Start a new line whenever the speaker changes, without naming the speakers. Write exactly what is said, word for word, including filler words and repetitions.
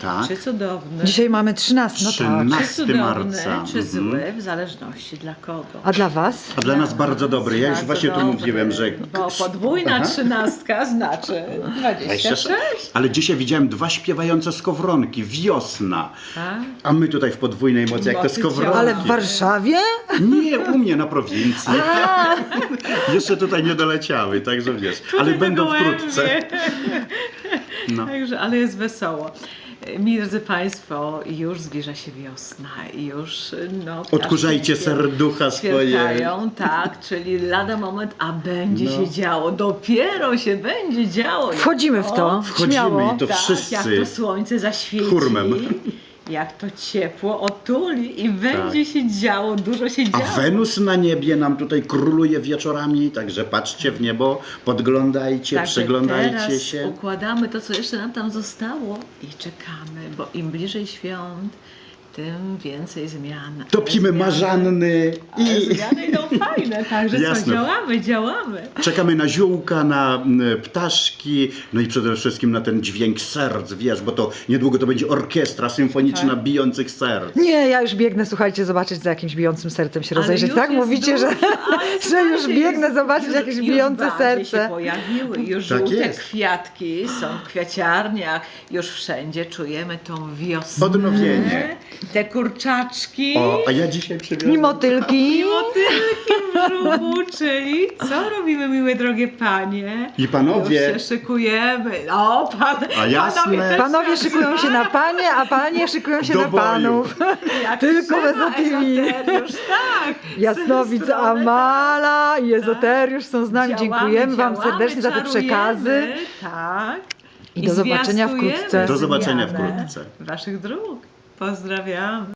Tak.
Czy cudowne,
Dzisiaj mamy trzynaste, no tak.
trzynastego
czy cudowne,
marca.
czy
Mhm.
złe, w zależności dla kogo.
A dla was?
A dla nas bardzo dobry. Ja już
Bardzo
właśnie tu
dobry,
mówiłem, że...
Bo podwójna
Aha.
trzynastka znaczy dwadzieścia sześć.
Ale dzisiaj widziałem dwa śpiewające skowronki. Wiosna.
Tak?
A my tutaj w podwójnej mocy, jak te
Mocy
skowronki.
Ale w Warszawie?
Nie, u mnie na prowincji. Jeszcze tutaj nie doleciały, także wiesz. Ale
Tutaj
będą
na gołębie.
wkrótce. No.
Także, ale jest wesoło. Mi, drodzy Państwo, już zbliża się wiosna i już no,
Odkurzajcie
ptaszki
serducha swoje.
ćwierkają, tak, czyli lada moment, a będzie
No.
się działo, dopiero się będzie działo.
Wchodzimy w to.
O,
Wchodzimy
Śmiało.
i to
tak,
wszyscy.
jak to słońce zaświeci,
hurmem.
jak to ciepło otuli i będzie
Tak.
się działo, dużo się
A
działo.
Wenus na niebie nam tutaj króluje wieczorami, także patrzcie w niebo, podglądajcie,
Także
przyglądajcie
teraz
się.
układamy to, co jeszcze nam tam zostało i czekamy, bo im bliżej świąt, tym więcej zmian.
Topimy
Ale zmiany-
marzanny
Ale
i
zmiany idą fajne, także co,
Jasne.
działamy, działamy.
czekamy na ziółka, na m, ptaszki, no i przede wszystkim na ten dźwięk serc, wiesz, bo to niedługo to będzie orkiestra symfoniczna
Tak.
bijących serc.
Nie, ja już biegnę, słuchajcie, zobaczyć za jakimś bijącym sercem się
Ale
rozejrzeć.
już
Tak
jest
mówicie, że,
dużo, ale
że już
słuchajcie,
biegnę
jest-
zobaczyć
już-
jakieś
już
bijące
bardziej się
serce.
pojawiły, już
Tak
żółte
jest.
kwiatki są w kwiaciarniach, już wszędzie czujemy tą wiosnę.
Odnowienie.
Te kurczaczki.
O, a ja dzisiaj przywiozłem...
I motylki.
I motylki w brzuchu, czyli co robimy, miłe drogie panie?
I panowie.
Już się szykujemy. O, pan,
A jasne.
panowie, też
Panowie
się
szykują się na panie, a panie szykują się
Do
na
boju.
panów.
jak
Tylko
trzeba,
bez opinii.
ezoteriusz, tak.
Jasnowic
Z tej strony,
Amala i Ezoteriusz są z nami.
Działamy,
Dziękujemy wam
działamy,
serdecznie za te
czarujemy,
przekazy.
Tak.
I do zobaczenia
zwiastujemy
wkrótce.
Do zobaczenia
zmianę
wkrótce.
Waszych dróg. Pozdrawiamy.